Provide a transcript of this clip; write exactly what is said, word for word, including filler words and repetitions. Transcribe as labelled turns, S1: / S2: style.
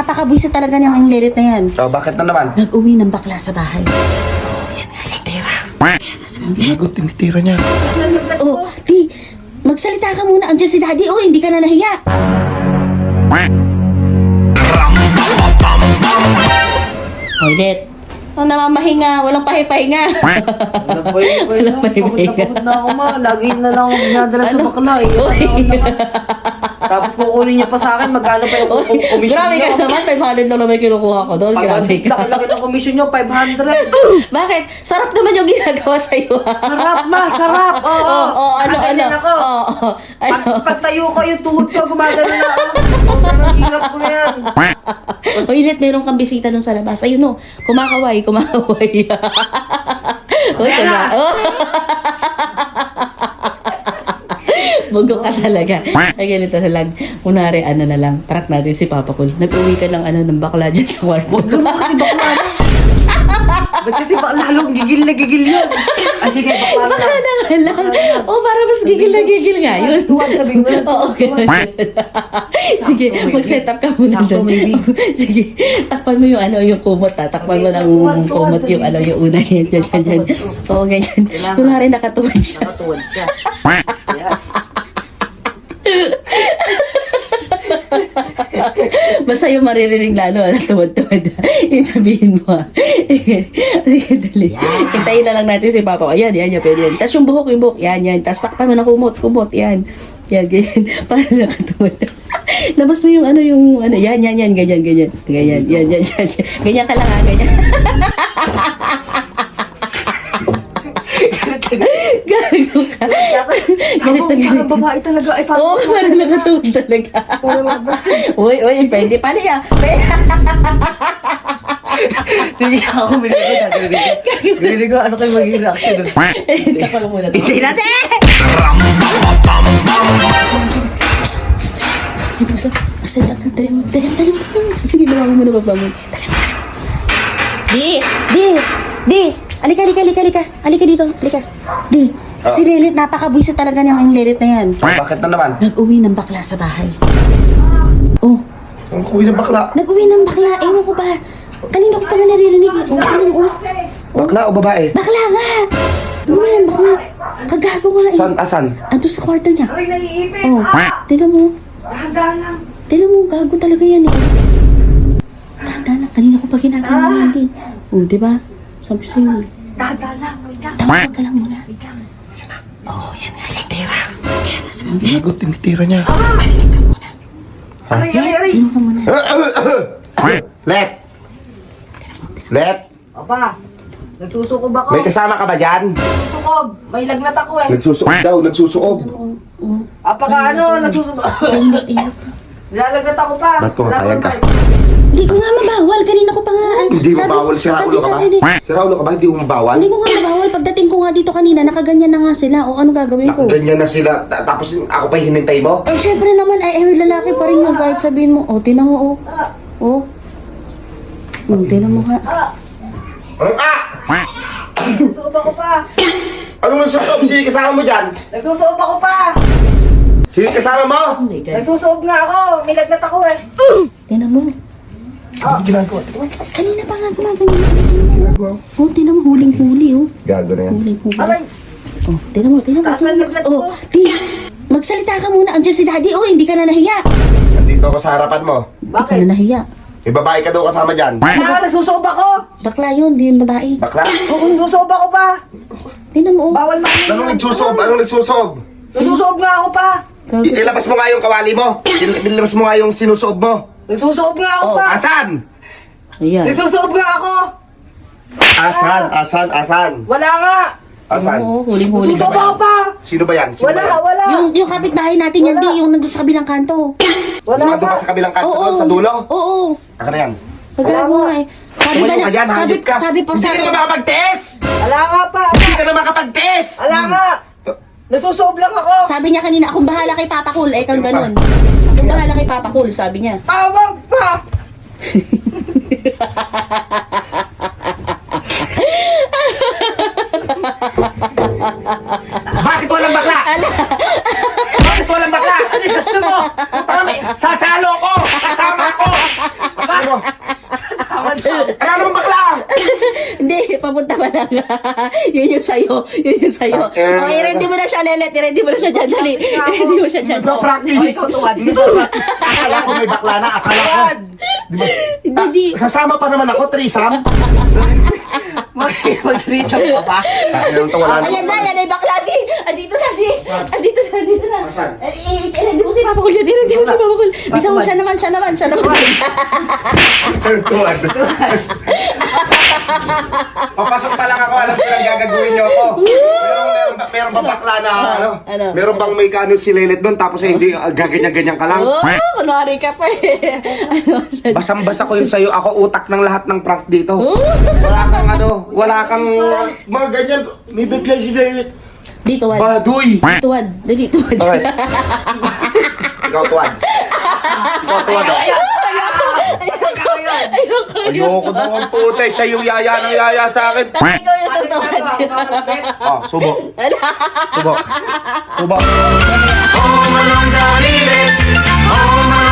S1: napakabwisit talaga niyang lelit na yan.
S2: So, bakit na naman?
S1: Nag-uwi ng bakla sa bahay. Oh, yan nga, yung tira.
S2: Lagot, tinitira niya.
S1: Oh, di, magsalita ka muna. Andiyan si Daddy. Oh, hindi ka na nahiya. Toilet. Oh, namamahinga. Walang pahipahinga.
S3: Walang pahinga.
S1: Walang pahipahinga.
S3: Pagod na ako ma. Lagi na lang ako ginadala sa bakla eh.
S1: Uy.
S3: Tapos kukunin niya pa sa akin, magkano pa yung kum- commission
S1: Grabe
S3: niyo?
S1: ka naman. five hundred lang naman kinukuha ko doon. Grabe ka.
S3: Laki-laki ng commission niyo, five hundred.
S1: Bakit? Sarap naman yung ginagawa sa'yo.
S3: Sarap ma, sarap. Oo,
S1: Oo,
S3: oo.
S1: oh, ano, ano.
S3: Kaganyan ako.
S1: Oo, oo. Ano?
S3: Pag, pagtayo ko yung tuhod ko, gumagano na ako. Oh, ganun, hirap ko na yan.
S1: Uy, Let, meron kang bisita dun sa labas. Ayun no, kumakaway, kumakaway. Uy,
S3: Ayan na!
S1: diba? Oh. Bugo ka talaga. Ay, ganito na lang. Kunwari, ano na lang, prank natin si Papa Cool. Nag-uwi ka ng ano, ng bakla dyan sa kwarto.
S3: Huwag naman kasi bakla na. Ba't kasi ba lalong gigil na gigil yun? Ah, sige, bakla na
S1: Baka
S3: lang.
S1: na nga lang. Oh, para mas gigil na gigil nga yun.
S3: Tuwag, sabi mo.
S1: Oo, ganun. Sige, mag-set up ka muna
S3: Sakto,
S1: doon.
S3: maybe.
S1: Sige, takpan mo yung ano, yung kumot ha. Takpan mo ng kumot yung ano, yung una. Yan, yan, yan, yan. Oo, ganyan. Kunwari nakatuwad siya.
S3: Nakatuwad siya. Ayan.
S1: Basta yung maririnig lalo, ano, tuwad-tuwad. Yung sabihin mo, ha. Sige, dali. Hintayin na lang natin si Papa. Ayan, yan, yan, pwede yan. Tapos yung buhok, yung buhok, yan, yan. Tapos takpan mo na kumot, kumot, yan. Yan, ganyan. Para nakatuwad. Labas mo yung ano, yung ano, yan, yan, yan, ganyan, ganyan. Ganyan, yan, yan, yan. Ganyan ka lang, ha, ganyan. Gago ka.
S3: Ako, parang babae talaga. Ay, parang
S1: Oo, parang nakatuwad talaga. Uy, uy, pwede pa niya.
S3: Sige, ako binigay ko. Binigay ko, ano kayo magiging reaction doon?
S1: Takpan mo muna.
S3: Hindi natin!
S1: Ay, puso. Asan ka? Dali mo, dali mo, dali mo. Sige, bawa mo muna, baba mo. Dali mo, dali mo. Di, di, di. Alika, alika, alika, alika. Alika dito, alika. Di,
S2: Oh.
S1: si Lelit, napakabwisit talaga niyang lelit na yan.
S2: So, bakit na naman?
S1: Nag-uwi ng bakla sa bahay. Oh,
S2: Ang kuwi ng bakla.
S1: nag-uwi ng bakla. Ewan ko ba? Kanina ko pa nga naririnig. Oh, ano, oh.
S2: Bakla o babae?
S1: Bakla nga! Nag-uwi ng bakla. Kagago nga eh.
S2: San, asan?
S1: Ando sa kwarto niya.
S3: Aray, naiipit!
S1: Oh, tignan mo.
S3: Dahan-dahan lang.
S1: Tignan mo, gago talaga yan eh. Tanda na, kanina ko pa ginagawa yan din. Oh, di ba? Sabi sa'yo.
S3: Dahan-dahan lang. Wait lang.
S1: Tawag ka lang muna. Oh, yan nga, yung tira. Kaya na sabi mo,
S2: Lagot, tinitira niya.
S3: Aray, aray, aray!
S1: sino ka muna?
S2: Let! Let!
S3: Opa, nagsusukob ako.
S2: May kasama ka ba dyan?
S3: Nagsusukob. May lagnat ako eh.
S2: Nagsusuob daw, nagsusuob.
S1: Oo, oo.
S3: Apaka ano, nagsusukob.
S1: Ingat, ingat.
S3: Nilalagnat ako pa.
S2: Ba't pumapayag ka?
S1: Hindi ko nga mabawal. Kanina ko pa nga. ah,
S2: Hindi mo
S1: sabi-
S2: bawal, sira
S1: sabi
S2: ulo ka
S1: sa
S2: ba?
S1: akin eh,
S2: Sira ulo ka ba? Hindi mo bawal?
S1: Hindi ko nga mabawal. Pagdating ko nga dito kanina, nakaganyan na nga sila. O ano gagawin ko?
S2: Ganyan na sila, ta- tapos ako pa yung hinintay mo?
S1: Eh, syempre naman, ay, eh, lalaki pa rin yun. Kahit sabihin mo, oh, tinan mo, oh. Oh. Oh, tinan mo nga.
S2: Anong ah?
S3: Nagsusukob ako pa.
S2: Anong nagsusuob? Sino yung kasama mo dyan?
S3: Nagsusukob ako pa.
S2: Sino yung kasama mo?
S1: Oh my God.
S3: Nagsusukob nga ako. May lagnat ako eh.
S1: Tinan mo.
S2: Ano ginagawa?
S1: Kanina pa nga gumaganyan. Oh, tinan mo, huling-huli, oh.
S2: Gago na yan.
S1: Huling-huli.
S3: Aray,
S1: Oh, tinan mo, tinan mo.
S3: Taas ng lagnat
S1: Oh,
S3: ko.
S1: di, magsalita ka muna. Andiyan si Daddy. Oh, hindi ka na nahiya.
S2: Nandito ako sa harapan mo.
S1: Hindi ka
S3: Bakit?
S1: na nahiya.
S2: May babae ka daw kasama dyan.
S3: ah, nagsusukob ako.
S1: Bakla yun, di yun babae.
S2: Bakla?
S3: Oo, nagsusukob ako pa.
S1: Tinan mo, oh.
S3: Bawal makinig.
S2: Anong nagsusuob? Anong nagsusuob?
S3: Nagsusukob nga ako pa.
S1: Gago.
S2: I- ilabas mo nga yung kawali mo. Il- ilabas mo nga yung sinusuob mo.
S3: Nagsusukob nga ako
S1: Oh,
S3: pa.
S2: Asan?
S1: Ayan.
S3: Nagsusukob nga ako.
S2: Asan? Asan? Asan?
S3: Wala nga.
S2: Asan?
S1: Oo, huling-huli
S3: Nagsusukob ako
S1: babae.
S3: pa.
S2: Sino ba yan? Sino
S3: Wala,
S2: ba yan?
S3: wala.
S1: Yung, yung kapitbahay natin yan,
S3: Wala.
S1: di, yung nandun sa kabilang kanto.
S3: Wala
S2: Yung nandun
S3: nga.
S2: pa sa kabilang kanto
S1: Oo,
S2: doon, sa dulo?
S1: Oo.
S2: Aka na yan.
S1: Kagago nga eh. Sabi ba
S2: Tumayo
S1: na,
S2: ka dyan,
S1: sabi,
S2: hayop ka.
S1: sabi pa
S2: Hindi
S1: sa
S2: ka
S1: akin,
S2: na makapag-test!
S3: Wala nga pa.
S2: Hindi ka na makapag-test!
S3: Wala nga. Nagsusukob lang ako.
S1: sabi niya kanina, akong bahala kay Papa Cool, eh kang ganun. Akong bahala kay Papa Cool, sabi niya.
S3: Tawag pa.
S2: Bakit walang bakla? Bakit walang bakla? Ano yung gusto mo? Putang ina, sasalo ko! Kasama ko! Bakit
S1: papunta pa lang. Yun yung sa'yo. Yun yung sa'yo.
S2: Okay.
S1: Okay, ready mo na siya, Lelet. Ready mo na siya dyan. Dali. Ready mo siya dyan.
S2: Nagpa-practice.
S3: Oh, ikaw tuwad.
S2: Akala ko may bakla na. Akala ko. Di ba?
S1: Hindi.
S2: Sasama pa naman ako, threesome.
S3: Mag-reach ka pa.
S2: Ayun to, wala
S1: Ayan na,
S2: naman.
S1: yan ay bakla, di. Andito na, di. Andito na, andito na.
S2: Saan?
S1: Eh, eh, eh, Ready mo si Papa Kul yan. Ready mo si Papa Kul. Bisa mo siya naman, siya naman, siya naman.
S2: Tuwad. Papasok pa lang ako, alam ko lang gagawin niyo ako. Meron, meron, ba, meron ba bakla na, ano?
S1: Ano?
S2: Meron bang may kano si Lelet doon, tapos eh, hindi, ah, gaganyan-ganyan ka lang?
S1: Oh, kunwari ka pa eh. Ano, siya-
S2: Basang-basa ko yun sa'yo, ako utak ng lahat ng prank dito.
S1: Oh.
S2: Wala kang ano, wala kang mga ganyan. May bigla si Lelet.
S1: Di, tuwad.
S2: Baduy!
S1: Tuwad. Dali, tuwad.
S2: Okay. Ikaw tuwad. Ikaw tuwad oh.
S1: Ayoko yun.
S2: Ayoko daw ang puti. Siya yung yaya ng yaya sa akin.
S1: Tapos ikaw yung tutuwad.
S2: Oh, subok.
S1: Wala.
S2: Subok. Subok. Oh, manong dariles. Oh,